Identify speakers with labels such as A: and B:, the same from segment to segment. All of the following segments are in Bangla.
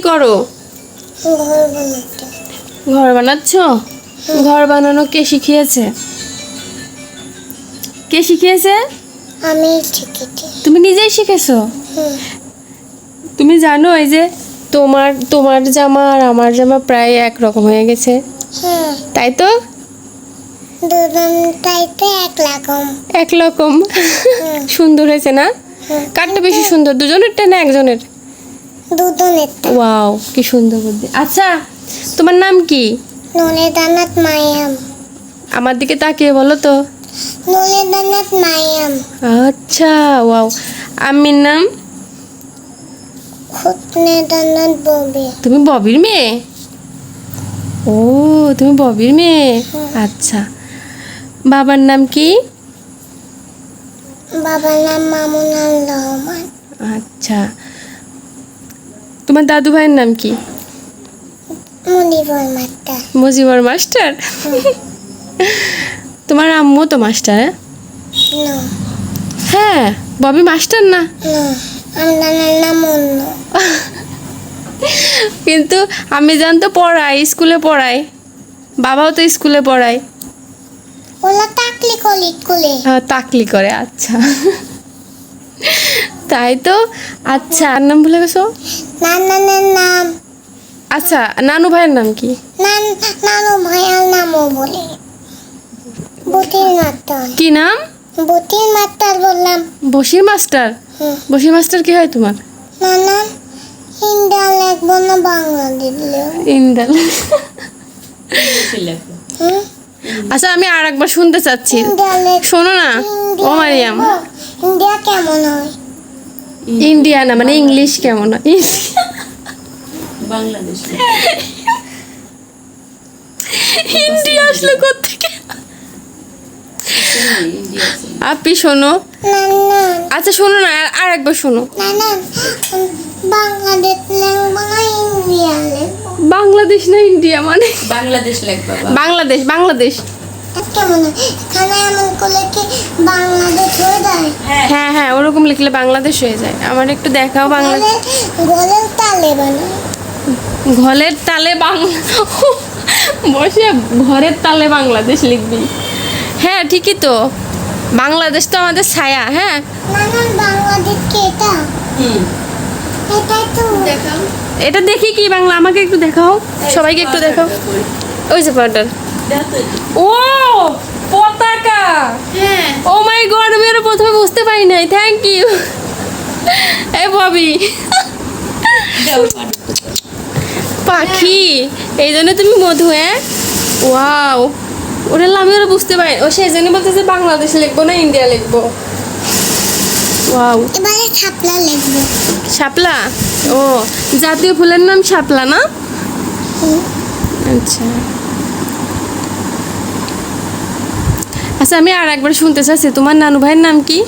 A: করো?
B: ঘর বানাতে।
A: ঘর বানাচ্ছ? ঘর বানানো কে শিখিয়েছে? কে শিখিয়েছে?
B: আমি শিখেছি।
A: তুমি নিজেই শিখেছো? তুমি জানো এই যে তোমার তোমার জামা আর আমার জামা প্রায় একরকম হয়ে গেছে,
B: হ্যাঁ,
A: তাই তো?
B: দুজনটাইতে একরকম।
A: একরকম সুন্দর হয়েছে না? কারটা বেশি সুন্দর, দুজনেরটা না একজনের?
B: দুজনেরটা।
A: ওয়াও, কি সুন্দর বুদ্ধি। আচ্ছা, তোমার নাম কি?
B: নুরেদানাথ মায়াম।
A: আমার দিকে তাকিয়ে বলো তো।
B: নুরেদানাথ মায়াম।
A: আচ্ছা, ওয়াও। আম্মির নাম?
B: খুতনেদানাথ ববি।
A: তুমি ববির মেয়ে? ও, তুমি ববির মেয়ে। আচ্ছা, বাবার নাম কি?
B: বাবার নাম মামুনুর রহমান।
A: আচ্ছা, তোমার দাদু ভাইয়ের নাম কি?
B: মুনিবর মাস্টার।
A: মুজিবর মাস্টার। তোমার আম্মু তো মাস্টার?
B: না,
A: হ্যাঁ, ববি মাস্টার না?
B: না, আমার নাম অন্য।
A: কিন্তু আমি জানতো পড়াই, স্কুলে পড়াই, বাবাও তো স্কুলে পড়ায়।
B: ওলা টাকলি কলি স্কুলে।
A: তাকলি করে, আচ্ছা। তাই তো। আচ্ছা, আর নাম ভুলে গেছো?
B: নানানের নাম।
A: আচ্ছা, নানু ভাইয়ের নাম কি?
B: নানু ভাইয়ার নামও বলে। বুটির মাস্টার।
A: কি নাম?
B: বুটির মাস্টার বললাম।
A: বশির মাস্টার? বশির মাস্টার কি হয় তোমার?
B: নানা ইন্ডিয়া লিখবো না বাংলা দিলে?
A: ইন্দাল।
B: হুম?
A: আচ্ছা, আমি আর একবার শুনতে চাচ্ছি,
B: ইন্ডিয়া
A: শোনো না। ও মারিয়াম,
B: ইন্ডিয়া কেমন হয়?
A: ইন্ডিয়া না, মানে ইংলিশ কেমন হয়?
C: বাংলাদেশ।
A: ইন্ডিয়া আসলে কোত্থেকে? আপনি শোনো।
B: নানা
A: আচ্ছা শোনো না, আর একবার শোনো।
B: নানা বাংলাদেশ লিখবো না ইন্ডিয়া লিখবো?
A: বাংলাদেশ না ইন্ডিয়া মানে?
C: বাংলাদেশ লেখ বাবা।
A: বাংলাদেশ, বাংলাদেশ।
B: কেমন হয়? এখানে এমন করলে কি বাংলাদেশ হয়ে যায়?
A: হ্যাঁ হ্যাঁ, ওরকম লিখলে বাংলাদেশ হয়ে যায়। আমার একটু দেখাও বাংলা।
B: গলের তালে বানায়।
A: ঘরের তালে বাংলা, বসে ঘরের তালে বাংলাদেশ লিখবি? হ্যাঁ ঠিকই তো, বাংলাদেশ তো আমাদের ছায়া। হ্যাঁ,
B: নানান বাংলাদেশ কি এটা? এটাই তো।
C: দেখাও।
A: এটা দেখি কি বাংলা, আমাকে একটু দেখাও, সবাইকে একটু দেখাও। ওই যে পাউডার। ও, পতাকা।
C: হ্যাঁ।
A: ও মাই গড, আমি আরো প্রথমে বুঝতে পারি নাই। Thank you. এই ববি, পাখি, এই জন্য তুমি মধু। হ্যাঁ, ওয়াও, ওটা আমি ওরা বুঝতে পারি। ও সেই জন্য বলতেছে বাংলাদেশ লিখবো না ইন্ডিয়া লিখবো। ওয়াও,
B: এবারে ছাপলা লিখবো।
A: শাপলা। ও, জাতীয় ফুলের নাম শাপলা না? আচ্ছা আচ্ছা, আমি আর একবার শুনতে চাচ্ছি, তোমার নানু ভাইয়ের নাম কি?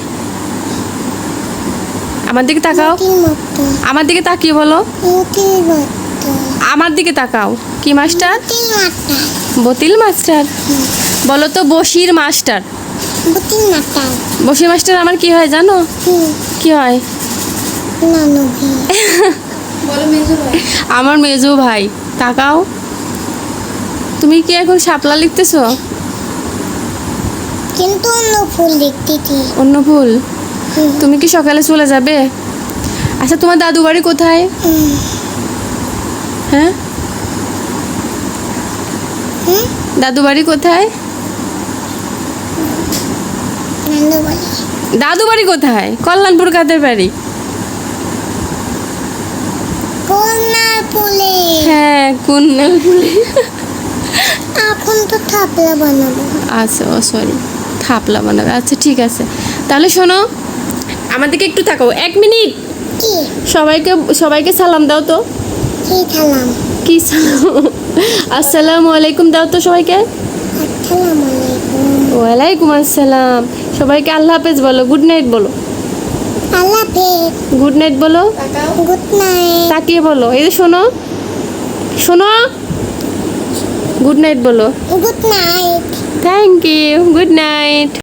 A: আমার দিকে তাকাও,
B: মতির মতো।
A: আমার দিকে তাকিয়ে বলো।
B: মতির মতো।
A: আমার দিকে তাকাও। কি মাস্টার?
B: মতির মাস্টার।
A: বতিল মাস্টার? বলো তো বশির মাস্টার।
B: মতির মাস্টার।
A: বশির মাস্টার আমার কি হয় জানো? কি হয়?
B: নানু ভাই।
C: বলো মেজো ভাই।
A: আমার মেজো ভাই। তাকাও। তুমি কি এখন শাপলা লিখতেছো?
B: কিন্তু অন্য ফুল দেখতেছি।
A: অন্য ফুল? তুমি কি সকালে চলে যাবে? আচ্ছা, তোমার দাদু বাড়ি কোথায়? হ্যাঁ, দাদু বাড়ি কোথায়?
B: নানু বলে
A: দাদু বাড়ি কোথায়? কল্যাণপুর কাদের বাড়ি?
B: কন্যার ফুলে।
A: হ্যাঁ, কুন্নালপুরে।
B: এখন তো থাপলা বানাবো।
A: আচ্ছা, ও সরি, থাপলা বানাবে। আচ্ছা ঠিক আছে, তাহলে শোনো, আমার দিকে একটু তাকাও 1 মিনিট।
B: কি?
A: সবাইকে সবাইকে সালাম দাও তো।
B: কি থালাম?
A: কি সালাম? আসসালামু আলাইকুম দাও তো সবাইকে।
B: আসসালামু আলাইকুম।
A: ওয়ালাইকুম আসসালাম। সবাইকে আল্লাহ হাফেজ বলো, গুড নাইট বলো।
B: আল্লাহ হাফেজ।
A: গুড নাইট বলো।
B: Good night.
A: তাকিয়ে বলো, এই যে শোনো, শোনো, গুড নাইট বলো।
B: Good night.
A: Thank you, good night.